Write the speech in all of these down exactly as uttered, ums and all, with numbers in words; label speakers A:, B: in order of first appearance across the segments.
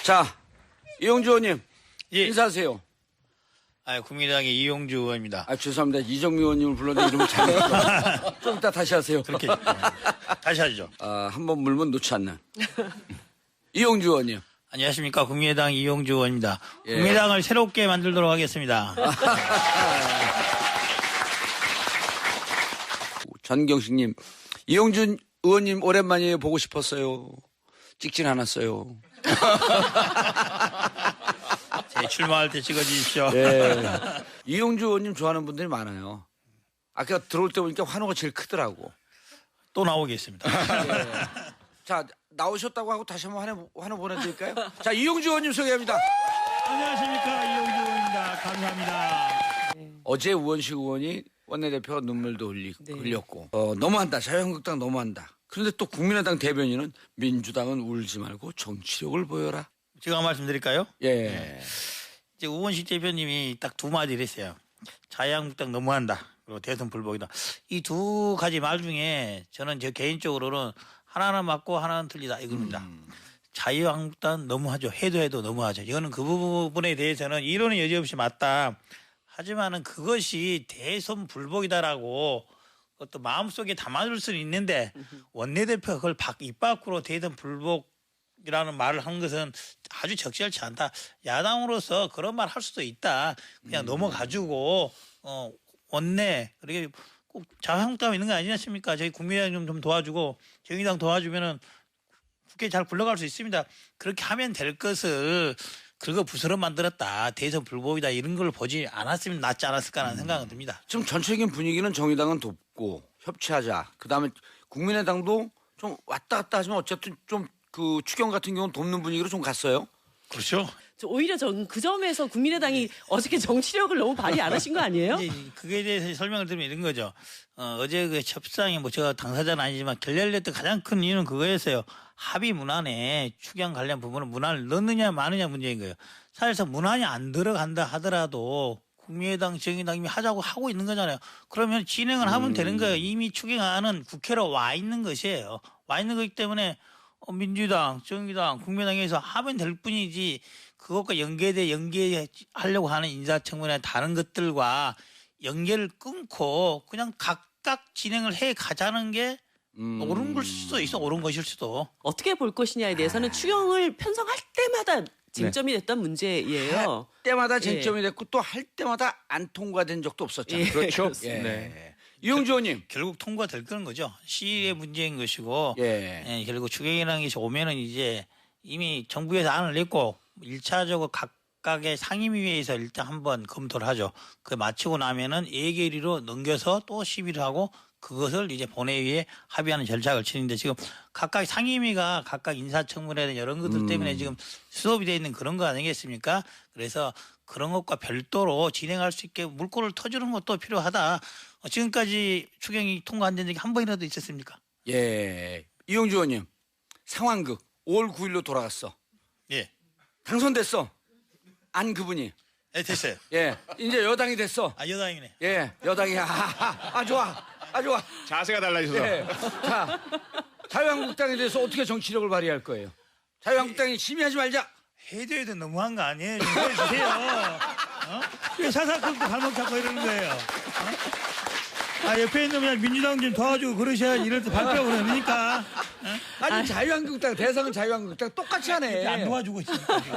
A: 자, 이용주 의원님.
B: 예.
A: 인사하세요.
B: 아, 국민의당의 이용주 의원입니다.
A: 아, 죄송합니다. 이정미 의원님을 불렀는데 이름을 잘못했어요. 좀 이따 다시 하세요.
B: 그렇게 네. 다시 하시죠.
A: 아, 한번 물면 놓지 않는. 이용주 의원님.
B: 안녕하십니까. 국민의당 이용주 의원입니다.
A: 예.
B: 국민의당을 새롭게 만들도록 하겠습니다.
A: 전경식님, 이용준 의원님 오랜만에 보고 싶었어요. 찍진 않았어요.
B: 제 출마할 때 찍어주십시오.
A: 예. 이용주 의원님 좋아하는 분들이 많아요. 아까 들어올 때 보니까 환호가 제일 크더라고.
B: 또 나오겠습니다.
A: 예. 자, 나오셨다고 하고 다시 한번 환호, 환호 보내드릴까요? 자, 이용주 의원님 소개합니다.
B: 안녕하십니까. 이용주 의원입니다. 감사합니다.
A: 어제 우원식 의원이 원내대표가 눈물도 흘리,
C: 네.
A: 흘렸고 어, 너무한다. 자유한국당 너무한다. 그런데 또 국민의당 대변인은 민주당은 울지 말고 정치력을 보여라.
B: 제가 말씀드릴까요?
A: 예.
B: 이제 우원식 대표님이 딱 두 마디를 했어요. 자유한국당 너무한다. 그리고 대선 불복이다. 이 두 가지 말 중에 저는 저 개인적으로는 하나는 맞고 하나는 틀리다 이겁니다.
A: 음.
B: 자유한국당 너무하죠. 해도 해도 너무하죠. 이거는 그 부분에 대해서는 이론은 여지없이 맞다. 하지만은 그것이 대선 불복이다라고 또 마음속에 담아둘 수는 있는데 원내대표가 그걸 밖, 입 밖으로 대선 불복이라는 말을 한 것은 아주 적절치 않다. 야당으로서 그런 말 할 수도 있다. 그냥
A: 음.
B: 넘어가지고 어, 원내 그렇게 꼭 자유한국당 있는 거 아니지 않습니까? 저희 국민의당 좀, 좀 도와주고 정의당 도와주면은 국회 잘 굴러갈 수 있습니다. 그렇게 하면 될 것을 그거 부스럼 만들었다. 대선 불복이다. 이런 걸 보지 않았으면 낫지 않았을까라는 생각은 듭니다.
A: 지금 전체적인 분위기는 정의당은 돕고 협치하자. 그다음에 국민의당도 좀 왔다 갔다 하지만 어쨌든 좀 그 추경 같은 경우는 돕는 분위기로 좀 갔어요.
B: 그렇죠.
C: 저 오히려 전 그 점에서 국민의당이 어저께 정치력을 너무 발휘 안 하신 거 아니에요?
B: 이제 그거에 대해서 설명을 드리면 이런 거죠. 어, 어제 그 협상이 뭐 제가 당사자는 아니지만 결렬됐던 가장 큰 이유는 그거였어요. 합의 문안에 추경 관련 부분은 문안을 넣느냐 마느냐 문제인 거예요. 사실상 문안이 안 들어간다 하더라도 국민의당, 정의당 이미 하자고 하고 있는 거잖아요. 그러면 진행을 하면
A: 음.
B: 되는 거예요. 이미 추경안은 국회로 와 있는 것이에요. 와 있는 거기 때문에 민주당, 정의당, 국민의당에서 하면 될 뿐이지 그것과 연계돼 연계하려고 하는 인사청문회 다른 것들과 연계를 끊고 그냥 각각 진행을 해 가자는 게
A: 음.
B: 옳은 걸 수도 있어. 옳은 것일 수도.
C: 어떻게 볼 것이냐에 대해서는 추경을 편성할 때마다 쟁점이 됐던 문제예요.
A: 때마다 쟁점이 됐고 또 할 때마다 안 통과된 적도 없었잖아요.
C: 예,
A: 그렇죠.
C: 그렇습니다.
A: 예. 이용주 의원님.
B: 결국 통과될 거는 거죠. 시의 문제인 것이고
A: 예.
B: 예, 결국 추경이라는 것이 오면은 이제 이미 정부에서 안을 냈고 일차적으로 각각의 상임위에서 일단 한번 검토를 하죠. 그 마치고 나면은 예결위로 넘겨서 또 심의를 하고 그것을 이제 본회의에 합의하는 절차를 치는데 지금 각각 상임위가 각각 인사청문회나 이런 것들
A: 음.
B: 때문에 지금 수업이 되어 있는 그런 거 아니겠습니까? 그래서 그런 것과 별도로 진행할 수 있게 물꼬를 터주는 것도 필요하다. 어, 지금까지 추경이 통과 안 된 적이 한 번이라도 있었습니까?
A: 예. 이용주 의원님. 상황극 오월 구일로 돌아갔어.
B: 예.
A: 당선됐어. 안 그분이.
B: 네, 됐어요.
A: 예. 이제 여당이 됐어.
B: 아, 여당이네.
A: 예. 여당이 아, 아, 아 좋아. 아 좋아.
D: 자세가 달라져서.
A: 예. 자. 자유한국당에 대해서 어떻게 정치력을 발휘할 거예요? 자유한국당이 심의하지 말자.
B: 해도 해도 너무한 거 아니에요? 좀 해주세요. 어? 왜 사사건도 발목 잡고 이러는 거예요? 어? 아, 옆에 있는 그냥 민주당 좀 도와주고 그러셔야지 이럴 때 발표하고 그러니까.
A: 아니 자유한국당 대상은 자유한국당 똑같이 하네.
B: 안 도와주고 있으니까. 지금.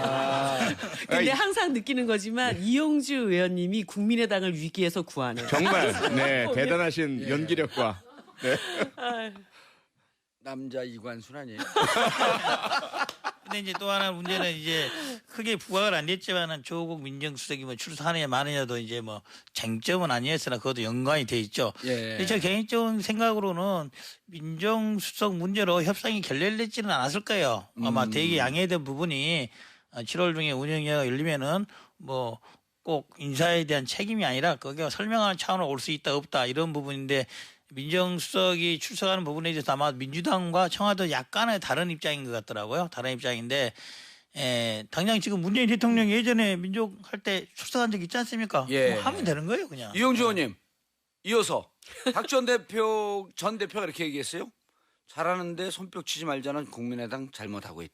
C: 근데 항상 느끼는 거지만 이용주 의원님이 국민의당을 위기에서 구하네요.
D: 정말 네 대단하신 연기력과 네.
A: 남자 이관순 아니에요?
B: 근데 이제 또 하나 문제는 이제 크게 부각을 안 됐지만은 조국 민정수석이 뭐 출사하느냐 마느냐도 이제 뭐 쟁점은 아니었으나 그것도 연관이 돼 있죠.
A: 예.
B: 근데 제 개인적인 생각으로는 민정수석 문제로 협상이 결렬됐지는 않았을 거예요. 아마
A: 음.
B: 되게 양해된 부분이 칠월 중에 운영위가 열리면은 뭐 꼭 인사에 대한 책임이 아니라 거기가 설명하는 차원으로 올 수 있다 없다 이런 부분인데 민정수석이 출석하는 부분에 대해서 아마 민주당과 청와도 약간의 다른 입장인 것 같더라고요. 다른 입장인데 에, 당장 지금 문재인 대통령이 예전에 민족할 때 출석한 적 있지 않습니까?
A: 예.
B: 뭐 하면 되는 거예요 그냥.
A: 이용주 의원님 이어서 박 전 대표 전 대표가 이렇게 얘기했어요. 잘하는데 손뼉 치지 말자는 국민의당 잘못하고 있다.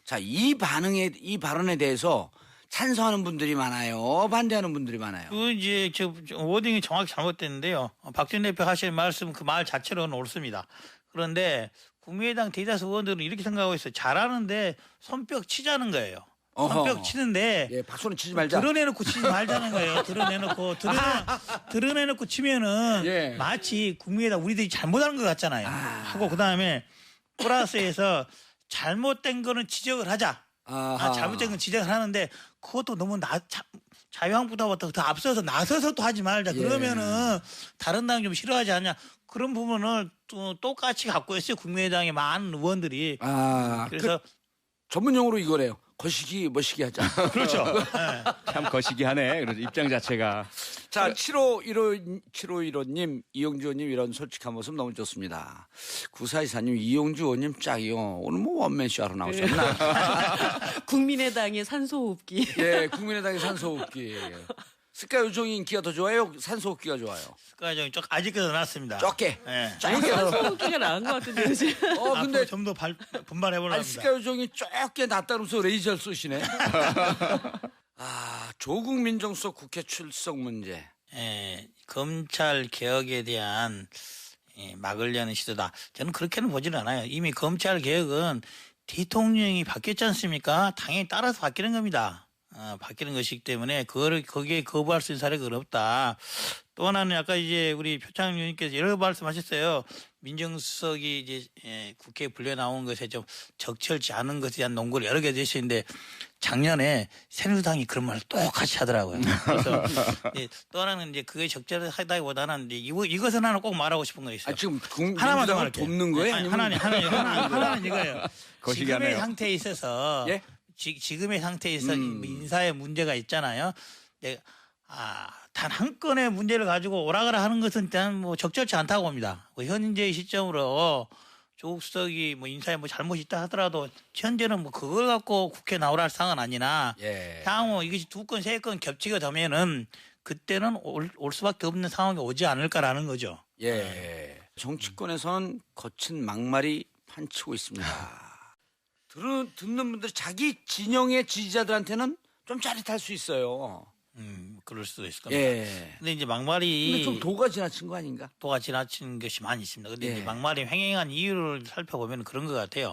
A: 자, 이 반응에 이 발언에 대해서 찬성하는 분들이 많아요. 반대하는 분들이 많아요.
B: 그 이제 저 워딩이 정확히 잘못됐는데요. 박준 대표 하실 말씀 그 말 자체로는 옳습니다. 그런데 국민의당 대다수 의원들은 이렇게 생각하고 있어요. 잘하는데 손뼉 치자는 거예요. 손뼉
A: 어허.
B: 치는데
A: 예, 박수는 치지 말자.
B: 드러내놓고 치지 말자는 거예요. 드러내놓고 드러내, 드러내놓고 치면은
A: 예.
B: 마치 국민의당 우리들이 잘못하는 것 같잖아요. 하고 그 다음에 플러스에서 잘못된 거는 지적을 하자.
A: 아하.
B: 아, 잘못된 건 지적을 하는데 그것도 너무 나, 자, 자유한국당보다 더 앞서서 나서서 또 하지 말자.
A: 예.
B: 그러면은 다른 당이 좀 싫어하지 않냐. 그런 부분을 또 똑같이 갖고 있어요. 국민의당의 많은 의원들이.
A: 아,
B: 그래서
A: 그 전문용어로 이거래요. 거시기 멋시기 하자.
B: 그렇죠. 네.
D: 참 거시기 하네. 그래서 입장 자체가.
A: 자, 칠오일오, 칠오일오님, 이용주 의원님 이런 솔직한 모습 너무 좋습니다. 구사이사님, 이용주 의원님 짝이요. 오늘 뭐 원맨쇼 하러 나오셨나?
C: 국민의당의 산소호흡기.
A: 예, 국민의당의 산소호흡기. 스카 요정이 인기가 더 좋아요? 산소호흡기가 좋아요?
B: 스카이정이 좀 아직까지 나왔습니다.
A: 적게.
B: 네.
A: 적게.
C: 산소호흡기가 나은 것 같은데 요즘.
A: 어, 근데
B: 좀 더 분발해보려고
A: 아니,
B: 합니다.
A: 스카 요정이 적게 낫다면서 레이저를 쏘시네. 아, 조국 민정수석 국회 출석 문제.
B: 예, 검찰 개혁에 대한 예, 막으려는 시도다. 저는 그렇게는 보지는 않아요. 이미 검찰 개혁은 대통령이 바뀌었지 않습니까? 당연히 따라서 바뀌는 겁니다. 어, 바뀌는 것이기 때문에 그거를 거기에 거부할 수 있는 사례가 어렵다. 또 하나는 아까 이제 우리 표창 의원님께서 여러 말씀하셨어요. 민정수석이 이제 예, 국회에 불려 나온 것에 좀 적절치 않은 것에 대한 논거를 여러 개 주시는데 작년에 새누리당이 그런 말을 똑같이 하더라고요. 그래서 예, 또 하나는 이제 그게 적절하다기보다는 이제 이거 이것은 하나 꼭 말하고 싶은 거 있어요.
A: 아, 지금 국,
B: 하나만 더
A: 민주당을
B: 말할게요.
A: 돕는 거예요?
B: 아니,
A: 아니면
B: 하나는 하나는 하나, 하나는 이거예요.
D: 거시기
B: 지금의
D: 하네요.
B: 상태에 있어서
A: 예?
B: 지, 지금의 상태에 있어
A: 음.
B: 인사에 문제가 있잖아요. 네, 아, 단 한 건의 문제를 가지고 오라가라 하는 것은 일단 뭐 적절치 않다고 봅니다. 뭐 현재 시점으로 조국 수석이 뭐 인사에 뭐 잘못이 있다 하더라도 현재는 뭐 그걸 갖고 국회 나오라 할 상황은 아니나
A: 예.
B: 향후 이것이 두 건, 세 건 겹치게 되면은 그때는 올, 올 수밖에 없는 상황이 오지 않을까라는 거죠.
A: 예. 정치권에서는 거친 막말이 판치고 있습니다. 들은, 듣는 분들 자기 진영의 지지자들한테는 좀 짜릿할 수 있어요.
B: 음, 그럴 수도 있을 겁니다.
A: 예.
B: 근데 이제
A: 근데
B: 막말이
A: 좀 도가 지나친 거 아닌가?
B: 도가 지나친 것이 많이 있습니다. 근데
A: 예.
B: 이제 막말이 횡행한 이유를 살펴보면 그런 것 같아요.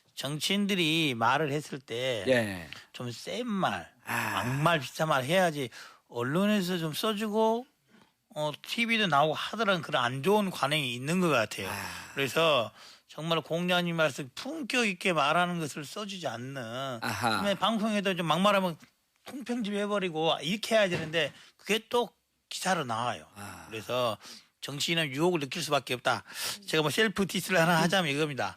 B: 정치인들이 말을 했을 때 좀
A: 예.
B: 센 말,
A: 아.
B: 막말 비슷한 말 해야지 언론에서 좀 써주고 어, 티비도 나오고 하더라는 그런 안 좋은 관행이 있는 것 같아요.
A: 아.
B: 그래서 정말 공자님 말씀 품격 있게 말하는 것을 써주지 않는
A: 아하.
B: 그다음에 방송에도 좀 막말하면 통평집 해버리고 이렇게 해야 되는데 그게 또 기사로 나와요.
A: 아.
B: 그래서 정치인은 유혹을 느낄 수밖에 없다. 제가 뭐 셀프 디스를 하나 하자면 이겁니다.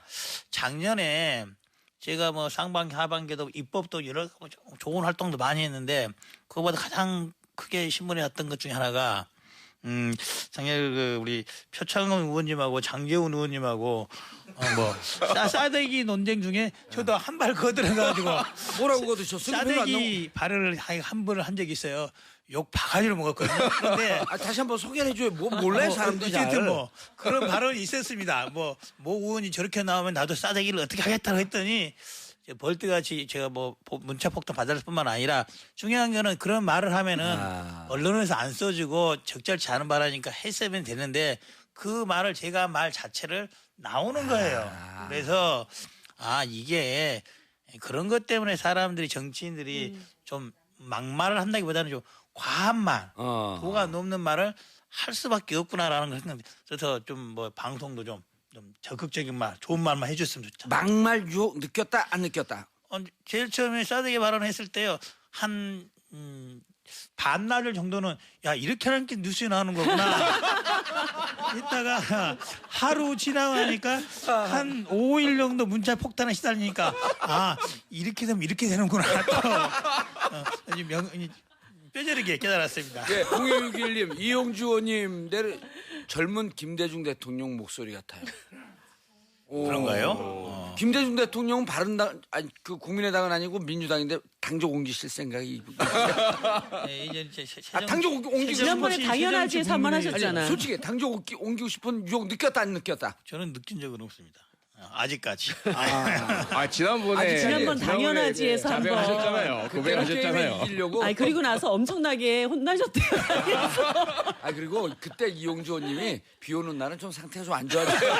B: 작년에 제가 뭐 상반기 하반기도 입법도 여러 좋은 활동도 많이 했는데 그거보다 가장 크게 신문에 났던 것 중에 하나가 음, 작년에 그 우리 표창원 의원님하고 장재훈 의원님하고 어 뭐 싸대기 논쟁 중에 저도 한 발 거들어가지고
A: 뭐라고 거드셨어요?
B: 싸대기 발언을 한 번을 한 적이 있어요. 욕 바가지로 먹었거든요. 그런데
A: 아, 다시 한번 소개를 해줘요. 뭐 몰라요 사람들이 잘.
B: 어쨌든 뭐 그런 발언이 있었습니다. 뭐 모 의원이 저렇게 나오면 나도 싸대기를 어떻게 하겠다고 했더니 벌떼같이 제가 뭐 문자 폭탄 받을 뿐만 아니라 중요한 거는 그런 말을 하면은
A: 아.
B: 언론에서 안 써주고 적절치 않은 말하니까 했으면 되는데 그 말을 제가 말 자체를 나오는 거예요.
A: 아.
B: 그래서 아 이게 그런 것 때문에 사람들이 정치인들이
C: 음.
B: 좀 막말을 한다기보다는 좀 과한 말,
A: 어.
B: 도가 넘는 말을 할 수밖에 없구나라는 걸 생각합니다. 그래서 좀 뭐 방송도 좀, 좀 적극적인 말, 좋은 말만 해줬으면 좋죠.
A: 막말 유혹 느꼈다 안 느꼈다?
B: 어, 제일 처음에 싸대기 발언했을 때요. 한 음, 반나절 정도는 야 이렇게 하는 게 뉴스에 나오는 거구나. 이따가 하루 지나고 나니까 한 오 일 정도 문자 폭탄에 시달리니까 아 이렇게 되면 이렇게 되는구나. 또 어, 이제 명, 이제 뼈저리게 깨달았습니다.
A: 예, 공일육일님 이용주 의원님 내려 젊은 김대중 대통령 목소리 같아요. 오.
B: 그런가요? 어.
A: 김대중 대통령은 바른당 아니 그 국민의당은 아니고 민주당인데 당적 옮기실 생각이
B: 네, 이제 이제 세-
A: 아,
B: 세정-
A: 당적 옮기- 옮기고
C: 지난번에
B: 세정치-
C: 당연하지
B: 세정치
C: 산만
B: 국민의-
C: 하셨잖아요.
A: 솔직히 당적 옮기, 옮기고 싶은 유혹 느꼈다 안 느꼈다?
B: 저는 느낀 적은 없습니다. 아, 아직까지.
A: 아,
D: 아 지난번에
A: 아니,
C: 지난번
D: 지난번에
C: 당연하지에서 한번.
D: 자백하셨잖아요. 고백하셨잖아요.
A: 이기려고.
C: 아니 그리고 나서 엄청나게 혼나셨대요.
A: 아 그리고 그때 이용주 의원님이 비 오는 날은 좀 상태가 좀 안 좋아져요.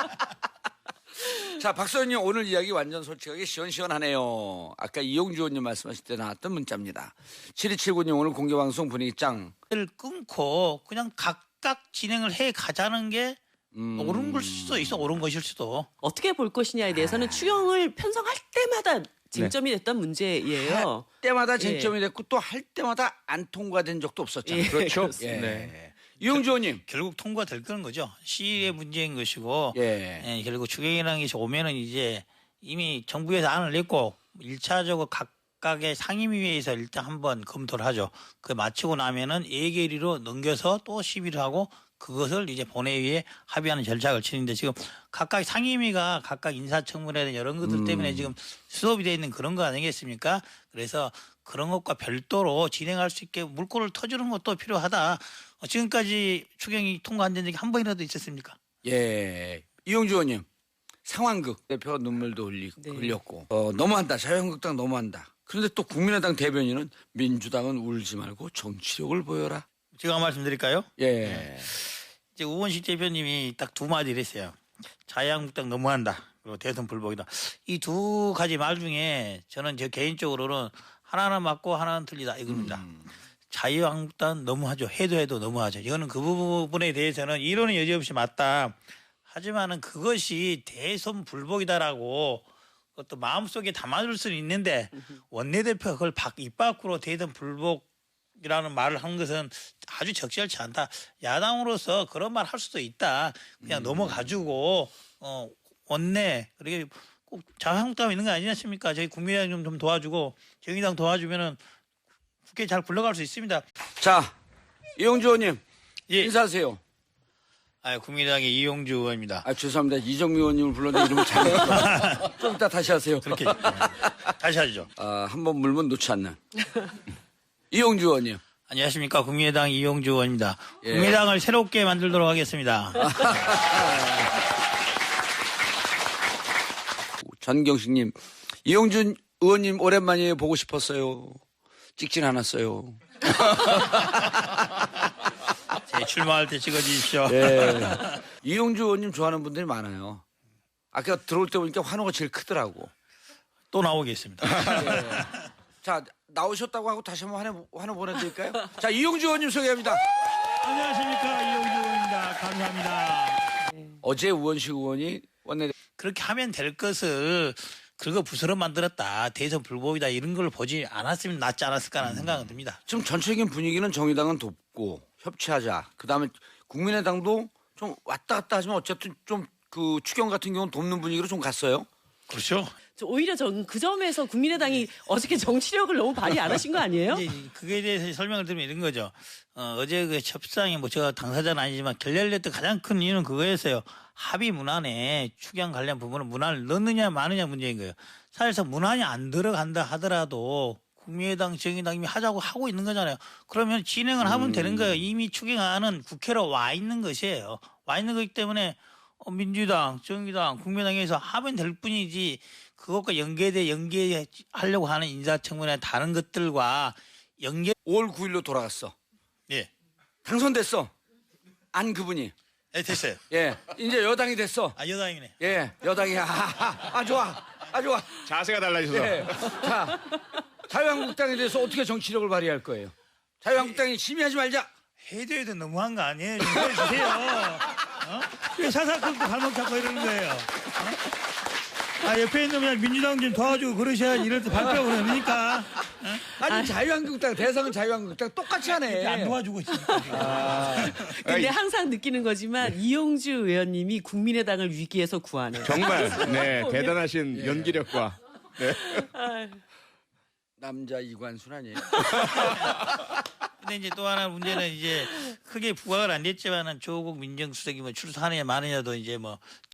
A: 자, 박수 의원님 오늘 이야기 완전 솔직하게 시원시원하네요. 아까 이용주 의원님 말씀하실 때 나왔던 문자입니다. 칠이칠구 님 오늘 공개방송 분위기 짱.
B: 를 끊고 그냥 각각 진행을 해 가자는 게
A: 음.
B: 옳은 걸 수도 있어, 옳은 것일 수도.
C: 어떻게 볼 것이냐에 대해서는 추경을 편성할 때마다 쟁점이 됐던 문제예요.
A: 때마다 쟁점이 됐고 또 할 때마다 안 통과된 적도 없었잖아요.
C: 예,
A: 그렇죠?
C: 그렇습니다.
A: 예.
D: 네.
A: 이용주 의원님.
B: 결국 통과될 그런 거죠. 시일의 문제인 것이고
A: 예.
B: 예, 결국 추경이라는 것이 오면은 이제 이미 정부에서 안을 냈고 일차적으로 각각의 상임위에서 일단 한번 검토를 하죠. 그 마치고 나면은 예결위로 넘겨서 또 시비를 하고 그것을 이제 본회의에 합의하는 절차를 치는데 지금 각각 상임위가 각각 인사청문회나 이런 것들 때문에 지금 수업이 되어 있는 그런 거 아니겠습니까? 그래서 그런 것과 별도로 진행할 수 있게 물꼬를 터주는 것도 필요하다. 어, 지금까지 추경이 통과 안 된 적이 한 번이라도 있었습니까?
A: 예. 이용주 의원님. 상황극 대표가 눈물도 흘리,
C: 네.
A: 흘렸고 어, 너무한다. 자유한국당 너무한다. 그런데 또 국민의당 대변인은 민주당은 울지 말고 정치력을 보여라.
B: 제가 말씀드릴까요?
A: 예.
B: 이제 우원식 대표님이 딱 두 마디를 했어요. 자유한국당 너무한다. 그리고 대선 불복이다. 이 두 가지 말 중에 저는 제 개인적으로는 하나는 맞고 하나는 틀리다 이겁니다.
A: 음.
B: 자유한국당 너무하죠. 해도 해도 너무하죠. 이거는 그 부분에 대해서는 이론은 여지없이 맞다. 하지만은 그것이 대선 불복이다라고 그것도 마음속에 담아둘 수는 있는데 원내대표가 그걸 밖, 입 밖으로 대선 불복이라는 말을 한 것은 아주 적절치 않다. 야당으로서 그런 말 할 수도 있다. 그냥
A: 음.
B: 넘어가지고 어, 원내 그리고 꼭 자유한국당 있는 거 아니지 않습니까? 저희 국민의당 좀, 좀 도와주고 정의당 도와주면은 국회 잘 굴러갈 수 있습니다.
A: 자, 이용주 의원님.
B: 예.
A: 인사하세요.
B: 아, 국민의당의 이용주 의원입니다.
A: 아, 죄송합니다. 이정미 의원님을 불렀는데 이름을 잘못했어요. 좀 이따 다시 하세요.
B: 그렇게 네. 다시 하죠.
A: 아, 한번 물면 놓지 않는. 이용주 의원님.
B: 안녕하십니까. 국민의당 이용주 의원입니다.
A: 예.
B: 국민의당을 새롭게 만들도록 하겠습니다.
A: 전경식님. 이용준 의원님 오랜만에 보고 싶었어요. 찍진 않았어요.
B: 제 출마할 때 찍어주십시오.
A: 예. 이용주 의원님 좋아하는 분들이 많아요. 아까 들어올 때 보니까 환호가 제일 크더라고.
B: 또 나오겠습니다.
A: 예. 자, 나오셨다고 하고 다시 한번 환호, 환호 보내드릴까요? 자, 이용주 의원님 소개합니다.
B: 안녕하십니까. 이용주 의원입니다. 감사합니다.
A: 어제 우원식 의원이 원내
B: 그렇게 하면 될 것을 그거 부스럼 만들었다. 대선 불복이다. 이런 걸 보지 않았으면 낫지 않았을까라는 생각은 듭니다.
A: 지금 전체적인 분위기는 정의당은 돕고 협치하자. 그다음에 국민의당도 좀 왔다 갔다 하지만 어쨌든 좀 그 추경 같은 경우는 돕는 분위기로 좀 갔어요.
B: 그렇죠.
C: 저 오히려 전 그 점에서 국민의당이 어저께 정치력을 너무 발휘 안 하신 거 아니에요?
B: 이제 그거에 대해서 설명을 드리면 이런 거죠. 어, 어제 그 협상에 뭐 제가 당사자는 아니지만 결렬됐던 가장 큰 이유는 그거였어요. 합의 문안에 추경 관련 부분은 문안을 넣느냐 마느냐 문제인 거예요. 사실상 문안이 안 들어간다 하더라도 국민의당, 정의당 이미 하자고 하고 있는 거잖아요. 그러면 진행을 하면 되는 거예요. 이미 추경안은 국회로 와 있는 것이에요. 와 있는 거기 때문에 어, 민주당, 정의당, 국민의당에서 하면 될 뿐이지 그것과 연계돼 연계하려고 하는 인사청문회 다른 것들과 연계.
A: 오월 구일로 돌아갔어.
B: 예,
A: 당선됐어. 안 그분이.
B: 네, 됐어요.
A: 예, 이제 여당이 됐어.
B: 아 여당이네.
A: 예, 여당이 아, 아, 아 좋아, 아 좋아.
D: 자세가 달라져서.
A: 예. 자, 자유한국당에 대해서 어떻게 정치력을 발휘할 거예요? 자유한국당이 심의하지 말자.
B: 해도 해도 너무한 거 아니에요? 좀 해주세요. 어? 왜 사사건도 발목 잡고 이러는 거예요? 어? 아, 옆에 있는 그냥 민주당 좀 도와주고 그러셔야지 이럴 때 발표하고 그러니까. 어?
A: 아니 자유한국당 대상은 자유한국당 똑같이 하네.
B: 안 도와주고 있으니까 지금.
C: 근데 항상 느끼는 거지만 이용주 의원님이 국민의당을 위기에서 구하는.
D: 정말 네 대단하신 연기력과 네.
A: 남자 이관순 아니에요?
B: 근데 이제 또 하나 문제는 이제 크게 부각을 안 됐지만은 조국 민정수석이 뭐 출사하느냐 마느냐도 이제 뭐